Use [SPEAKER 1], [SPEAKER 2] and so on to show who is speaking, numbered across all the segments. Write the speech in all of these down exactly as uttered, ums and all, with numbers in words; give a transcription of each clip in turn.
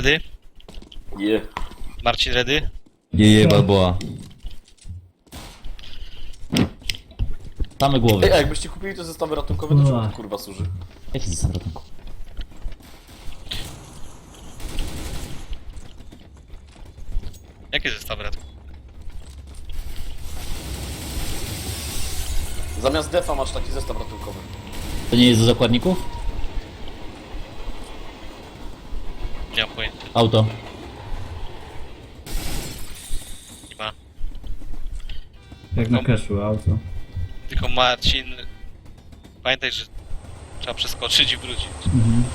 [SPEAKER 1] Ready?
[SPEAKER 2] Je.
[SPEAKER 1] Marcin ready?
[SPEAKER 3] Jeje, Balboa. Same
[SPEAKER 2] Ej,
[SPEAKER 3] głowy.
[SPEAKER 2] a jakbyście kupili te zestawy ratunkowe, to czemu to kurwa służy?
[SPEAKER 3] Jaki jest ratunku?
[SPEAKER 1] Jakie zestawy rad?
[SPEAKER 2] Zamiast defa masz taki zestaw ratunkowy.
[SPEAKER 3] To nie jest do zakładników?
[SPEAKER 1] Nie mam pojęcia.
[SPEAKER 3] Auto.
[SPEAKER 1] Nie ma.
[SPEAKER 4] Jak na
[SPEAKER 1] No.
[SPEAKER 4] cashu, auto.
[SPEAKER 1] Tylko Marcin... Pamiętaj, że trzeba przeskoczyć i wrócić.
[SPEAKER 4] Mhm.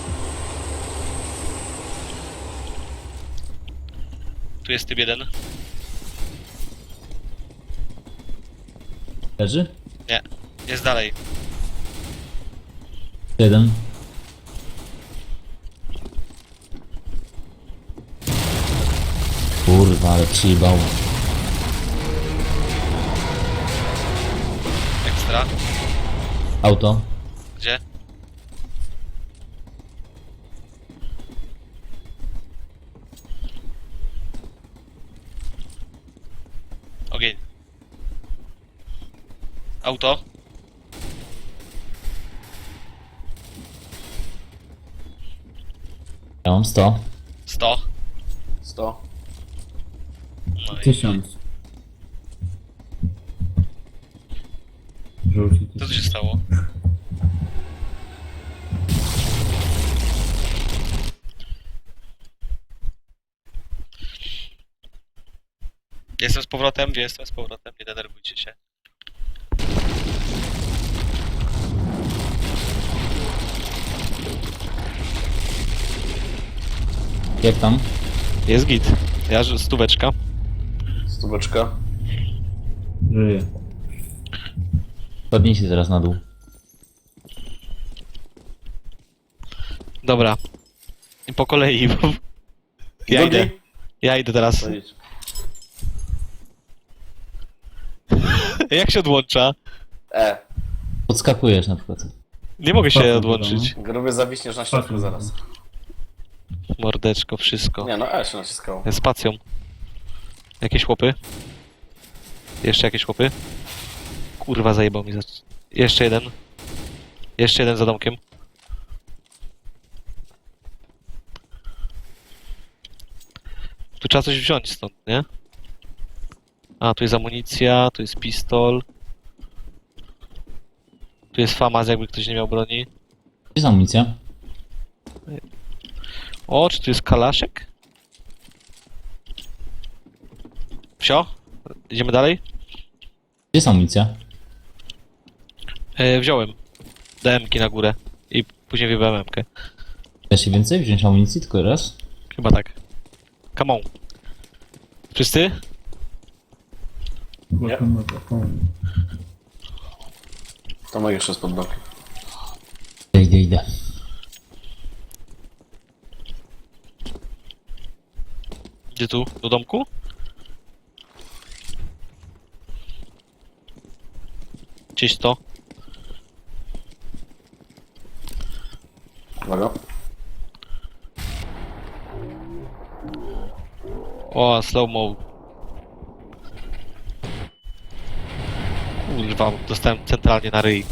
[SPEAKER 1] Tu jest typ jeden.
[SPEAKER 3] Leży?
[SPEAKER 1] Nie. Jest dalej.
[SPEAKER 3] Jeden. Kurwa, ale przyjebał.
[SPEAKER 1] Ekstra.
[SPEAKER 3] Auto.
[SPEAKER 1] Gdzie? Ogień. Auto.
[SPEAKER 3] Ja mam sto.
[SPEAKER 1] sto.
[SPEAKER 2] sto.
[SPEAKER 1] No i
[SPEAKER 4] Tysiąc. Żółci
[SPEAKER 1] co tu
[SPEAKER 4] tysiąc.
[SPEAKER 1] się stało? Jestem z powrotem, gdzie jestem z powrotem, nie denerwujcie się.
[SPEAKER 3] Jak tam?
[SPEAKER 1] Jest git. Ja że stóweczka.
[SPEAKER 2] Stóweczka.
[SPEAKER 4] Żyje.
[SPEAKER 3] Podnieś się teraz na dół.
[SPEAKER 1] Dobra. I po kolei, bo... Ja
[SPEAKER 2] Drugi?
[SPEAKER 1] idę. Ja idę teraz.
[SPEAKER 2] To idź.
[SPEAKER 1] Jak się odłącza?
[SPEAKER 2] E.
[SPEAKER 3] Podskakujesz na przykład.
[SPEAKER 1] Nie mogę się
[SPEAKER 4] Patrz,
[SPEAKER 1] odłączyć.
[SPEAKER 2] Gruby zawiśniesz na środku
[SPEAKER 4] Patrz.
[SPEAKER 2] zaraz.
[SPEAKER 1] Mordeczko, wszystko.
[SPEAKER 2] Nie no, E się naciskało.
[SPEAKER 1] Spacją. Jakieś chłopy? Jeszcze jakieś chłopy? Kurwa, zajebał mi za... Jeszcze jeden. Jeszcze jeden za domkiem. Tu trzeba coś wziąć stąd, nie? A, tu jest amunicja, tu jest pistol. Tu jest famas, jakby ktoś nie miał broni.
[SPEAKER 3] Gdzie jest amunicja?
[SPEAKER 1] O, czy tu jest kalaszek? Wsio? Idziemy dalej?
[SPEAKER 3] Gdzie jest amunicja?
[SPEAKER 1] E, wziąłem. D M-ki na górę. I później wybrałem M-kę.
[SPEAKER 3] Da się więcej wziąć amunicji tylko raz?
[SPEAKER 1] Chyba tak. Come on. Wszyscy?
[SPEAKER 4] Lokomotywa.
[SPEAKER 2] Tomek jeszcze jest pod blokiem.
[SPEAKER 3] Idę, idę, idę.
[SPEAKER 1] Gdzie tu? Do domku? Gdzieś to.
[SPEAKER 2] Uwaga.
[SPEAKER 1] O, slow-mo. Kurwa, dostałem centralnie na ryj.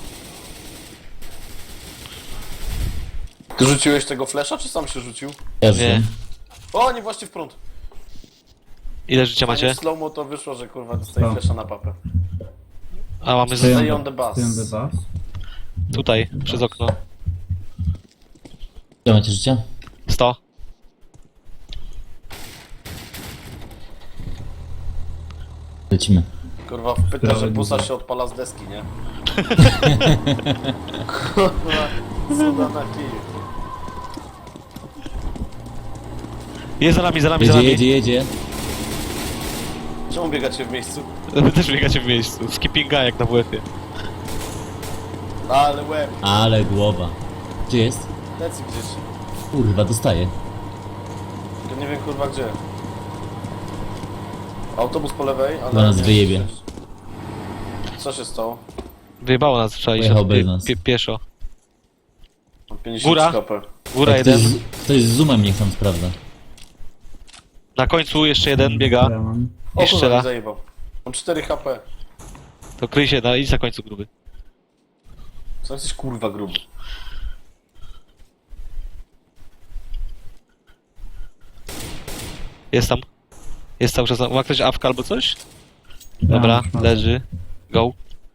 [SPEAKER 2] Ty rzuciłeś tego flesza, czy sam się rzucił?
[SPEAKER 3] Ja
[SPEAKER 1] Nie.
[SPEAKER 3] wiem.
[SPEAKER 2] O, nie właśnie w prąd.
[SPEAKER 1] Ile życia macie?
[SPEAKER 2] W slow-mo to wyszło, że kurwa dostaje
[SPEAKER 4] Co?
[SPEAKER 2] flesza na papę.
[SPEAKER 1] A mamy
[SPEAKER 2] Stay
[SPEAKER 1] z...
[SPEAKER 2] on the bus.
[SPEAKER 4] Stay on the bus.
[SPEAKER 1] tutaj, przez okno.
[SPEAKER 3] Ile macie życia?
[SPEAKER 1] sto.
[SPEAKER 3] Lecimy.
[SPEAKER 2] Kurwa, pyta, że
[SPEAKER 4] Prawie
[SPEAKER 2] busa
[SPEAKER 4] dużo.
[SPEAKER 2] się odpala z deski, nie? Kurwa, cuda na kij.
[SPEAKER 1] Jest za nami, za nami, za
[SPEAKER 3] Jedzie,
[SPEAKER 1] nami.
[SPEAKER 3] jedzie, jedzie.
[SPEAKER 2] Czemu biegacie w miejscu?
[SPEAKER 1] Wy też biegacie w miejscu. Skippinga jak na W F-ie.
[SPEAKER 2] Ale łeb,
[SPEAKER 3] Ale głowa. Gdzie jest?
[SPEAKER 2] lecy gdzieś.
[SPEAKER 3] Kurwa, dostaję.
[SPEAKER 2] To nie wiem kurwa gdzie. Autobus po lewej, ale...
[SPEAKER 3] Bo nas
[SPEAKER 2] nie-
[SPEAKER 3] wyjebie.
[SPEAKER 2] Co się stało?
[SPEAKER 1] Wyjebało nas, trzeba iść
[SPEAKER 3] Pojechał
[SPEAKER 1] od
[SPEAKER 3] bez
[SPEAKER 1] pie,
[SPEAKER 3] nas.
[SPEAKER 1] pie, pieszo.
[SPEAKER 2] Mam pięćdziesiąt
[SPEAKER 1] Góra.
[SPEAKER 2] K P.
[SPEAKER 1] Góra
[SPEAKER 3] Jak ktoś,
[SPEAKER 1] jeden.
[SPEAKER 3] z- ktoś z zoomem niech tam sprawdza.
[SPEAKER 1] Na końcu jeszcze jeden biega.
[SPEAKER 4] Ja mam.
[SPEAKER 2] O
[SPEAKER 1] I
[SPEAKER 2] kurwa,
[SPEAKER 1] strzela.
[SPEAKER 2] mi zajebał. Mam cztery H P.
[SPEAKER 1] To kryj się, no idź na końcu gruby.
[SPEAKER 2] Co jesteś kurwa gruby?
[SPEAKER 1] Jest tam. Jest cały czas. na- Ma ktoś awka albo coś?
[SPEAKER 4] Ja
[SPEAKER 1] Dobra,
[SPEAKER 4] mam.
[SPEAKER 1] leży. Go.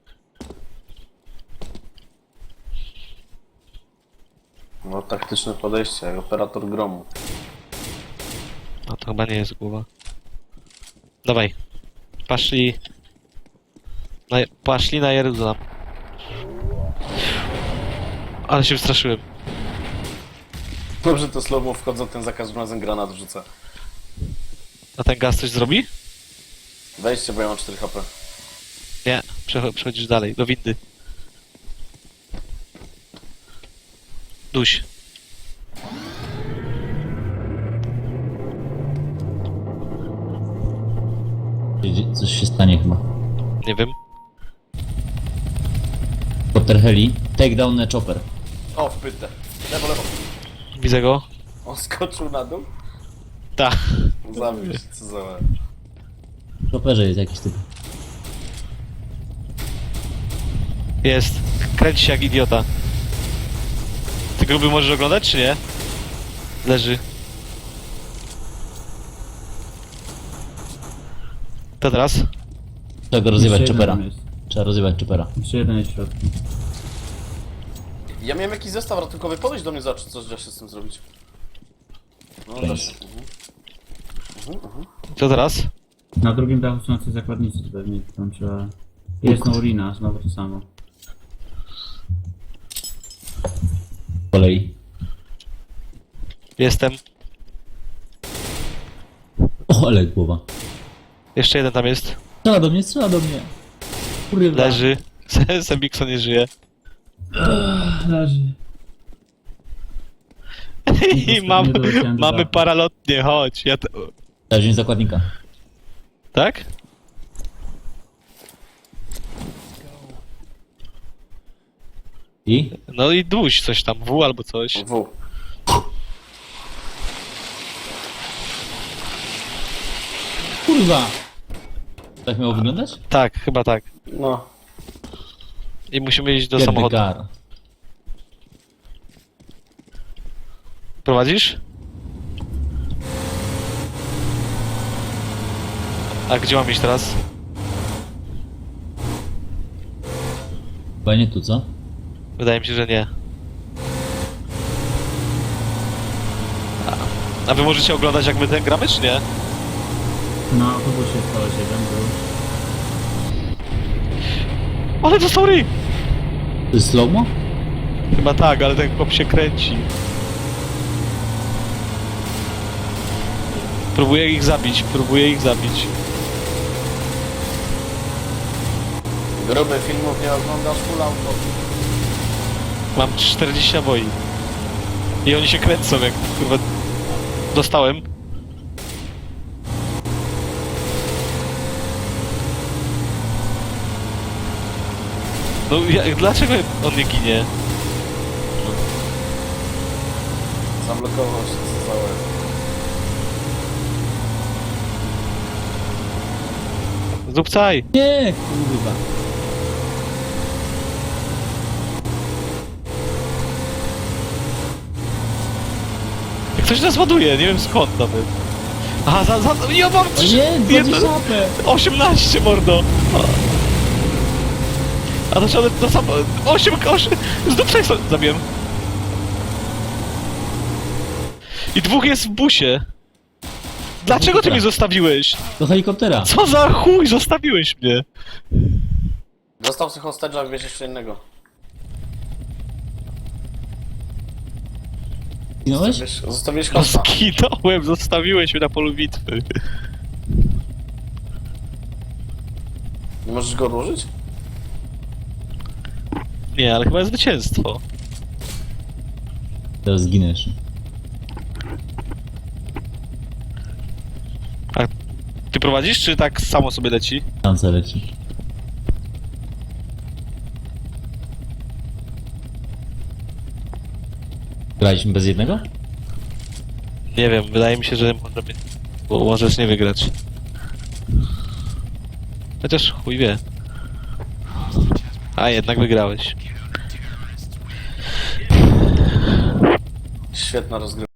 [SPEAKER 2] No taktyczne podejście, jak operator gromu.
[SPEAKER 1] No to chyba nie jest głowa. Dawaj. Paszli. Na, paszli na Jeruzalem. Ale się wystraszyłem.
[SPEAKER 2] Dobrze to slow-mo wchodzą, ten za każdym razem granat wrzuca.
[SPEAKER 1] A ten gaz coś zrobi?
[SPEAKER 2] Wejdźcie, bo ja mam cztery H P.
[SPEAKER 1] Nie. Przecho- przechodzisz dalej. Do windy. Duś.
[SPEAKER 3] Gdzie- Coś się stanie chyba.
[SPEAKER 1] Nie wiem.
[SPEAKER 3] Porter heli. Take down a chopper.
[SPEAKER 2] O, w pytę. Lewo, lewo.
[SPEAKER 1] Widzę go.
[SPEAKER 2] On skoczył na dół?
[SPEAKER 1] Tak.
[SPEAKER 2] Zabił się, co za łeb.
[SPEAKER 3] W chopperze jest jakiś typ.
[SPEAKER 1] Jest. Kręci się jak idiota. Ty gruby możesz oglądać, czy nie? Leży. To teraz?
[SPEAKER 3] Trzeba go rozjebać
[SPEAKER 4] Jeszcze jeden
[SPEAKER 3] choppera.
[SPEAKER 4] jest.
[SPEAKER 3] Trzeba rozjebać choppera.
[SPEAKER 4] Jeszcze jeden jest w środku.
[SPEAKER 2] Ja miałem jakiś zestaw ratunkowy, podejdź do mnie, zobacz, co da się z tym zrobić. No, da
[SPEAKER 3] Cześć.
[SPEAKER 2] się. Mhm. Mhm, mhm.
[SPEAKER 1] To teraz?
[SPEAKER 4] Na drugim dachu są jacyś zakładnicy, to pewnie tam trzeba... Jest no urina, znowu to samo.
[SPEAKER 3] Z kolei.
[SPEAKER 1] Jestem.
[SPEAKER 3] O, ale głowa.
[SPEAKER 1] Jeszcze jeden tam jest.
[SPEAKER 3] Strzela do mnie, strzela do mnie. Kurwa.
[SPEAKER 1] Leży. Sembikson nie żyje.
[SPEAKER 4] Leży.
[SPEAKER 1] I mam,
[SPEAKER 4] nie doleciałem do
[SPEAKER 1] mamy
[SPEAKER 4] dachu.
[SPEAKER 1] paralotnie, chodź. Ja to...
[SPEAKER 3] Trzeba wziąć zakładnika.
[SPEAKER 1] Tak?
[SPEAKER 3] I?
[SPEAKER 1] No i duś coś tam, W albo coś.
[SPEAKER 2] W.
[SPEAKER 3] Kurwa! Tak miało wyglądać?
[SPEAKER 1] Tak, chyba tak.
[SPEAKER 2] No.
[SPEAKER 1] I musimy iść do
[SPEAKER 3] Get the
[SPEAKER 1] samochodu.
[SPEAKER 3] car.
[SPEAKER 1] Prowadzisz? A gdzie mam iść teraz?
[SPEAKER 3] Chyba nie tu, co?
[SPEAKER 1] Wydaje mi się, że nie. A, a wy możecie oglądać jak my ten gramy, czy nie?
[SPEAKER 4] Na autobusie jest koleś jeden był.
[SPEAKER 1] Ale to sorry!
[SPEAKER 3] To jest slow-mo?
[SPEAKER 1] Chyba tak, ale ten chłop się kręci. Próbuję ich zabić, próbuję ich zabić.
[SPEAKER 2] Gruby filmów nie oglądasz, full auto.
[SPEAKER 1] Mam czterdzieści naboi. I oni się kręcą jak kurwa... Dostałem. No ja, dlaczego on nie ginie?
[SPEAKER 2] Zablokował się, co za łeb.
[SPEAKER 1] Zdupcaj!
[SPEAKER 3] Nie, kurwa.
[SPEAKER 1] Jak ktoś nas ładuje, nie wiem skąd nawet. Aha, za, za, ja mam
[SPEAKER 3] O
[SPEAKER 1] trz-
[SPEAKER 3] nie,
[SPEAKER 1] jedno-
[SPEAKER 3] dwadzieścia szapę!
[SPEAKER 1] osiemnaście, mordo! A to trzeba do sam... osiem, osiem... Zdupcaj sobie... Zabiłem. I dwóch jest w busie. Dlaczego ty mnie zostawiłeś?
[SPEAKER 3] Do helikoptera.
[SPEAKER 1] Co za chuj, zostawiłeś mnie?
[SPEAKER 2] Został sobie hostage'a, wiesz jeszcze innego.
[SPEAKER 3] Zginąłeś?
[SPEAKER 2] Wiesz, zostawiłeś
[SPEAKER 1] No
[SPEAKER 2] hosta.
[SPEAKER 1] skinąłem, zostawiłeś mnie na polu bitwy.
[SPEAKER 2] Nie możesz go odłożyć?
[SPEAKER 1] Nie, ale chyba jest zwycięstwo.
[SPEAKER 3] Teraz zginę jeszcze.
[SPEAKER 1] Ty prowadzisz, czy tak samo sobie leci?
[SPEAKER 3] Tam co leci. Graliśmy bez jednego?
[SPEAKER 1] Nie wiem, wydaje mi się, że możemy... Bo możesz nie wygrać. Chociaż chuj wie. A, jednak wygrałeś.
[SPEAKER 2] Świetna rozgrywka.